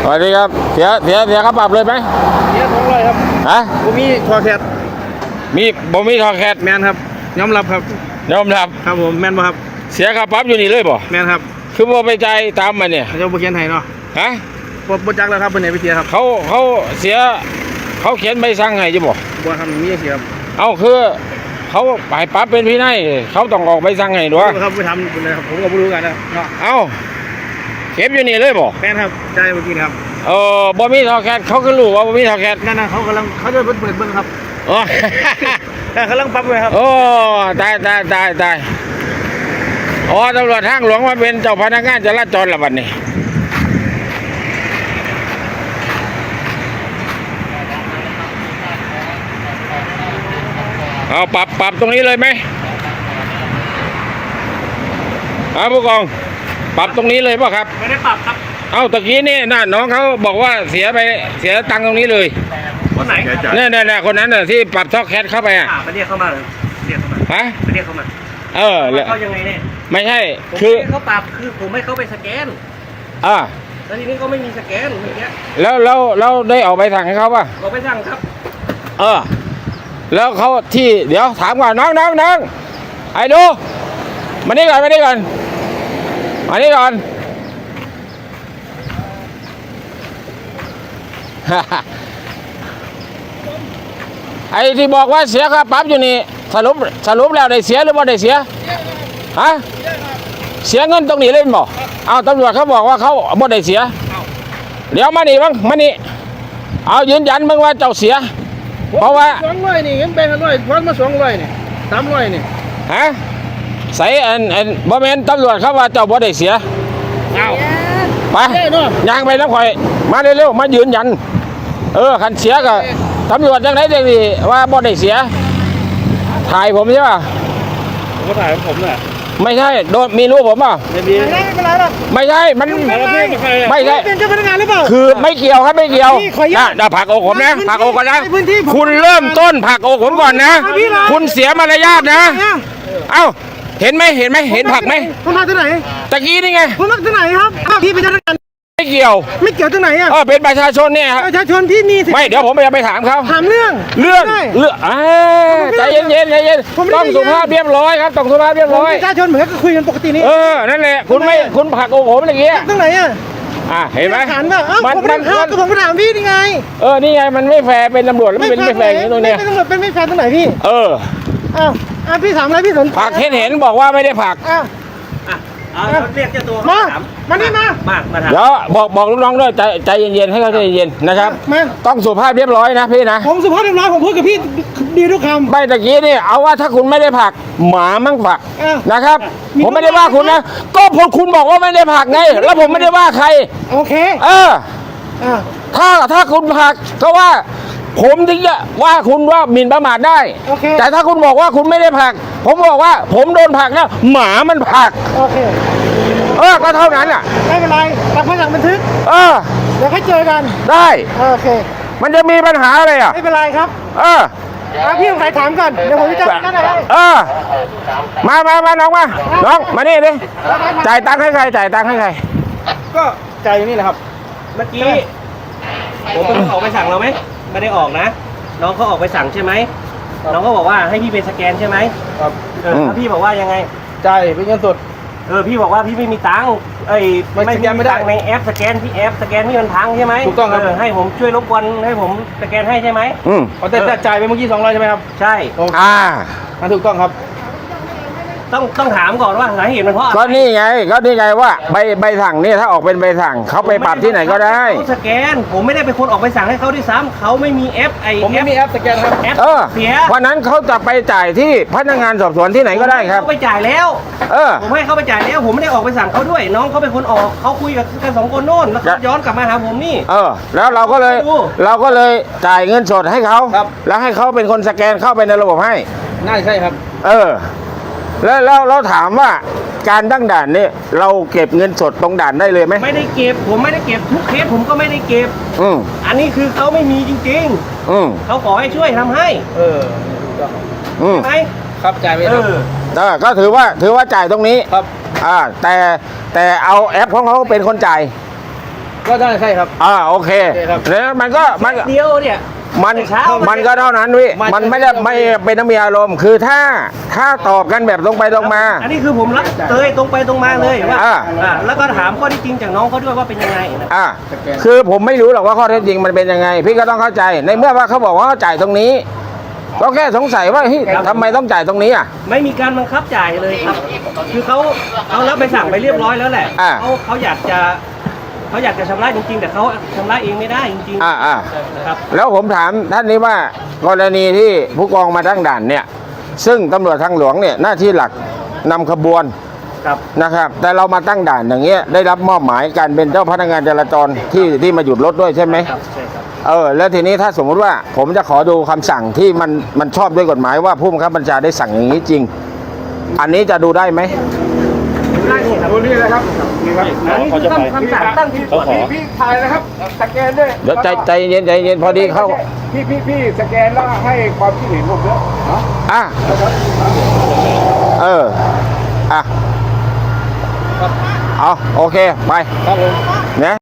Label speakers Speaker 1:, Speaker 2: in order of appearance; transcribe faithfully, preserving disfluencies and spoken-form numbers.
Speaker 1: วัสดีครับเสียเสียเสียค่าปรับเลยไหม
Speaker 2: เสียสองร้อยครับ
Speaker 1: ฮะ
Speaker 2: ผมมีทอแคท
Speaker 1: มีบ่มีทอแคท
Speaker 2: แมนครับยอมรับครับ
Speaker 1: ยอมรับ
Speaker 2: ครับผมแมนบ่ครับ
Speaker 1: เสียค่าปรับอยู่นี่เลยบ่
Speaker 2: แมนครับ
Speaker 1: คือบ่ไปใจตามมาเนี่ย
Speaker 2: เจ้าบ่เขียนให้เนาะ
Speaker 1: ฮะ
Speaker 2: บ่บ่จักแล้วครับเป็นไหนไปเสียครับ
Speaker 1: เขาเขาเสียเขาเขียนใบสั่งให้จะบ่
Speaker 2: บ่ทำมีเสียครับ
Speaker 1: เอ้าคือเขาไปปรับเป็นพี่นายเขาต้องออกใบสั่งให้ด้วย
Speaker 2: ครับไปทำเป็นไรครับผมก็ไม่รู้กันนะเนาะ
Speaker 1: เอ้าเก็บอยู่นี่เลยบ่
Speaker 2: แมนครับใช่เมื่อกี้ครับ
Speaker 1: เออบ่มีทอแคทเขาก็รู้ว่าบ่มีทอแคท
Speaker 2: นั่นน่ะเขากำลังเขาจะเปิดเปิดเบิ่งครับ
Speaker 1: อ๋อ
Speaker 2: แต่กำลังปรับเลยครับ
Speaker 1: โอ้ตายตายตายตายอ๋อตำรวจทางหลวงมาเป็นเจ้าพนักงานจราจรละบัดนี้เอาปรับปรับตรงนี้เลยไหมเอาผู้กองปรับตรงนี้เลยป่ะครับ
Speaker 2: ไม่ได้ปรับครับ
Speaker 1: เอาตะกี้นี่น่ะน้องเขาบอกว่าเสียไปเสียตังค์ตรงนี้เลย
Speaker 2: คนไหน
Speaker 1: เนี่ยเนี่ยคนนั้นน่ะที่ปรับท่อแคทเข้าไปอ่ะ
Speaker 2: ไปเรียกเข้ามาเลยเรียกเข้ามา
Speaker 1: ฮะ
Speaker 2: ไปเรียกเข้ามา
Speaker 1: เออ
Speaker 2: เขายังไงเนี่ย
Speaker 1: ไม่ใช่
Speaker 2: คือเขาปรับคือผมให้เขาไปสแกน
Speaker 1: อ่า
Speaker 2: แล้วทีนี้เขาไม่มีสแกนอย่างเงี้ย
Speaker 1: แล้วแล้วแล้วได้ออกใบสั่งให้เขาป่ะ
Speaker 2: ออกไปสั่งครับ
Speaker 1: เออแล้วเขาที่เดี๋ยวถามก่อนน้องน้องน้องไอ้ดูมานี่ก่อนมานี่ก่อนมานี่ก่อนไอ้ที่บอกว่าเสียค่าปรับอยู่นี่สรุปสรุปแล้วได้เสียหรือว่าได้เสียฮะเสียเงินตรงนี้เลยบ่เอาตำรวจเขาบอกว่าเขาบ่ได้เสียเดี๋ยวมานี่บ้างมานี่เอายืนยันมึงว่าเจ้าเสียเพราะว่า
Speaker 2: สองร้อยนี่เงินแบงค์ร้อยพอนมาสองร้อยนี่สามร้อยนี่
Speaker 1: ฮะใส่อันอันบ่แม่นตำรวจเขาว่าเจ้าบ่ได้เสียเอาไปย่างไปน้ำข่อยมาเร็วๆมายืนยันเออคันเสียก็ตำรวจจังไหนจังดีว่าบ่ได้เสียถ่ายผมใช่ป่ะ
Speaker 2: ผมก็ถ่ายผมแหละ
Speaker 1: ไม่ใช่โดนมีรู้ผมป่ะ
Speaker 2: ไม่มีไม่เป็นไรหรอก
Speaker 1: ไม่ใช่มันไม่ใช่
Speaker 2: เป็นเจ้าพนักงานหรือเปล่า
Speaker 1: คือไม่เกี่ยวครับไม่เกี่ยวนะเดี๋ยวผักอกผมนะผักอกก่อนนะคุณเริ่มต้นผักอกผมก่อนนะคุณเสียมารยาทนะเอ้าเห็นไหมเห็นไหมเห็นผักไหม
Speaker 2: ผมมาที่ไหน
Speaker 1: ตะกี้นี่ไง
Speaker 2: ผมมาที่ไหนครับพี่เป็นเจ้าพนักงาน
Speaker 1: ไม่เกี่ยว
Speaker 2: ไม่เกี่ยวที่ไหนอ่ะ
Speaker 1: เออเป็นประชาชนเนี่ยครับ
Speaker 2: ประชาชนที่มี
Speaker 1: ไม่เดี๋ยวผมไปไปถามเขา
Speaker 2: ถามเรื่อง
Speaker 1: เรื่องเรื่องอ่าใจเย็นเย็นใจเย็นต้องสุภาพเรียบร้อยครับต้องสุภาพเรียบร้อย
Speaker 2: ประชาชนเหมือนก็คุยกันปกตินี่
Speaker 1: เออนั่นแหละคุณไม่คุณผักอกผมอย่างเงี้ย
Speaker 2: ตรงไหนอ่ะ
Speaker 1: อ่าเห็นไหม
Speaker 2: ถามว่าเอ้าผมไม่ถามก็ผมก็ถามพี่นี่ไง
Speaker 1: เออนี่ไงมันไม่แฟร์เป็นตำรวจแล้วเป็นไม่แฟร์อย่างนี้ตรงเนี้ย
Speaker 2: เป็นตำรวจเป็นไม่แฟร์ตรงไหนพี่
Speaker 1: เออ
Speaker 2: อ้าวอ่ะพี่ถามอะไรพี่สน
Speaker 1: ผักเห็นเห็นบอกว่าไม่ได้ผัก
Speaker 2: อ้าวเรียกเจ้าตัวมามานี่มามามาถาม
Speaker 1: เดี๋ยวบอกบอกลูกน้องด้วยใจใจเย็นๆให้เขาใจเย็นๆนะครับต้องสุภาพเรียบร้อยนะพี่นะ
Speaker 2: ผมสุภาพเรียบร้อยผมพูดกับพี่ดีทุกคำ
Speaker 1: ใบตะกี้นี่เอาว่าถ้าคุณไม่ได้ผักหมามั่งผักนะครับผมไม่ได้ว่าคุณนะก็พอคุณบอกว่าไม่ได้ผักไงแล้วผมไม่ได้ว่าใคร
Speaker 2: โอเค
Speaker 1: เออถ้าถ้าคุณผักก็ว่าผมถึงจะว่าคุณว่าหมิ่นประมาทได้แต่ถ้าคุณบอกว่าคุณไม่ได้ผักผมบอกว่าผมโดนผักนะหมามันผัก
Speaker 2: โอเค
Speaker 1: เออก็เท่านั้นอ่ะ
Speaker 2: ไม่เป็นไรรับคำสั่งบันทึก
Speaker 1: เออ
Speaker 2: เดี๋ยวให้เจอกัน
Speaker 1: ได้
Speaker 2: โอเค
Speaker 1: มันจะมีปัญหาอะไรอ่ะ
Speaker 2: ไม่เป็นไรครับ
Speaker 1: เออ
Speaker 2: พี่ต้องใครถามก่อนเดี๋ยวผมจะจัดการอะไร
Speaker 1: เออมามามาน้องมาน้องมานี่ดิจ่ายตังค์ให้ใครจ่ายตังค์ให้ใคร
Speaker 2: ก็จ่ายอยู่นี่แหละครับเมื่อกี้ผมเป็นออกไปสั่งเราไหมไม่ได้ออกนะน้องเขาออกไปสั่งใช่ไหมน้องเขาบอกว่าให้พี่เป็นสแกนใช่ไหมครับเออพี่บอกว่ายังไงจ่ายเป็นเงินสดเออพี่บอกว่าพี่ไม่มีตังค์เอ้ยไม่สแกนไม่ได้ในแอปสแกนที่แอปสแกนที่มันพังใช่ไหมถูกต้องครับให้ผมช่วยรบกวนให้ผมสแกนให้ใช่ไหม
Speaker 1: อืม
Speaker 2: แต่จ่ายไปเมื่อกี้สองร้อยใช่ไหมครับ
Speaker 1: ใช่อ่า
Speaker 2: ถูกต้องครับต้องต้องถามก่อนว่าสาเหตุมันเพราะ
Speaker 1: ก็นี่ไงก็นี่ไงว่าใบใบสั่งนี่ถ้าออกเป็นใบสั่งเขาไปปรับที่ไหนก็ได้
Speaker 2: เขาสแกนผมไม่ได้เป็นคนออกไปสั่งให้เขาด้วยซ้ำเขาไม่มีแอปไอผมไม่มีแอปสแกนครับแอป
Speaker 1: เสียเพราะนั้นเขาจะไปจ่ายที่พนักงานสอบสวนที่ไหนก็ได้ครับ
Speaker 2: เขาไปจ่ายแล้วเออผมให้เขาไปจ่ายแล้วผมไม่ได้ออกไปสั่งเขาด้วยน้องเขาเป็นคนออกเขาคุยกับกันสองคนโน่นแล้วเขาย้อนกลับมาหาผมนี่
Speaker 1: เออแล้วเราก็เลยเราก็เลยจ่ายเงินสดให้เขาแล้วให้เขาเป็นคนสแกนเข้าไปในระบบให้
Speaker 2: น่าใช่ครับ
Speaker 1: เออแล้วเราเราถามว่าการตั้งด่านนี่เราเก็บเงินสดตรงด่านได้เลยไหม
Speaker 2: ไม่ได้เก็บผมไม่ได้เก็บทุกเคสผมก็ไม่ได้เก็บอืมอันนี้คือเขาไม่มีจริงๆอืมเขาขอให้ช่วยทำให้เอออืมใช่ไหมครับจ่ายไปเออ
Speaker 1: เออก็ถือว่าถือว่าจ่ายตรงนี้
Speaker 2: ครับ
Speaker 1: อ่าแต่แต่เอาแอปของเขาเป็นคนจ่าย
Speaker 3: ก็ได้ใช่ครับ
Speaker 1: อ่าโอเค
Speaker 3: โอเคครับ
Speaker 1: แล้วมันก็มันก็
Speaker 2: เดียวเนี่ย
Speaker 1: มัน
Speaker 2: เช้า
Speaker 1: มันก็เท่านั้นพี่
Speaker 3: มัน
Speaker 1: มันไม่ได้ไม่เป็นน้ำมีอารมณ์ คือถ้าถ้าตอบกันแบบตรงไปตรงมา
Speaker 2: อันนี้คือผมรับเลยตรงไปตรงมาเลยว่า
Speaker 1: อ่า
Speaker 2: อ่าแล้วก็ถามข้อที่จริงจากน้องเขาด้วยว่าเป็นยังไงนะ
Speaker 1: อ่าคือผมไม่รู้หรอกว่าข้อเท็จจริงมันเป็นยังไง พี่ก็ต้องเข้าใจในเมื่อว่าเขาบอกว่าเขาจ่ายตรงนี้ ก็แค่สงสัยว่าเฮ้ยทำไมต้องจ่ายตรงนี้อ่ะ
Speaker 2: ไม่มีการบังคับจ่ายเลยครับ คือเขาเขารับใบสั่งไปเรียบร้อยแล้วแหละ
Speaker 1: อ่า
Speaker 2: เขาเขาอยากจะเขาอยากจะชำระจริงๆ แต่เขาชำระเองไม่ได้จริง
Speaker 1: อ่าอ่า
Speaker 2: ๆนะครับ
Speaker 1: แล้วผมถามท่านนี้ว่ากรณีที่ผู้กองมาตั้งด่านเนี่ย ซึ่งตำรวจทางหลวงเนี่ยหน้าที่หลักนำขบวน
Speaker 2: ครับ
Speaker 1: นะครับ แต่เรามาตั้งด่านอย่างเงี้ยได้รับมอบหมายการเป็นเจ้าพนักงานจราจรที่ที่มาหยุดรถด้วยใช่ไหม
Speaker 2: ครับใช่ครับ
Speaker 1: เออแล้วทีนี้ถ้าสมมุติว่าผมจะขอดูคำสั่งที่มันมันชอบด้วยกฎหมายว่าผู้บังคับบัญชาได้สั่งอย่างนี้จริง อันนี้จะดูได้ไหม
Speaker 2: ได้นี่ครับ
Speaker 3: ดูนี่เลยครับนี่ครับ
Speaker 2: อันนี้คือคำคำสั่งตั้งที่
Speaker 3: พี่พี่พี่ถ่ายนะครับสแกนด้วย
Speaker 1: เดี๋ยวใจใจเย็นใจเย็นพอดีเข้า
Speaker 3: พี่พี่พี่สแกนแล้วให้ความคิดเห็นผมด้วยเนาะ
Speaker 1: อ่ะเอออ่ะเอาโอเคไป
Speaker 3: ครับผม
Speaker 1: นะ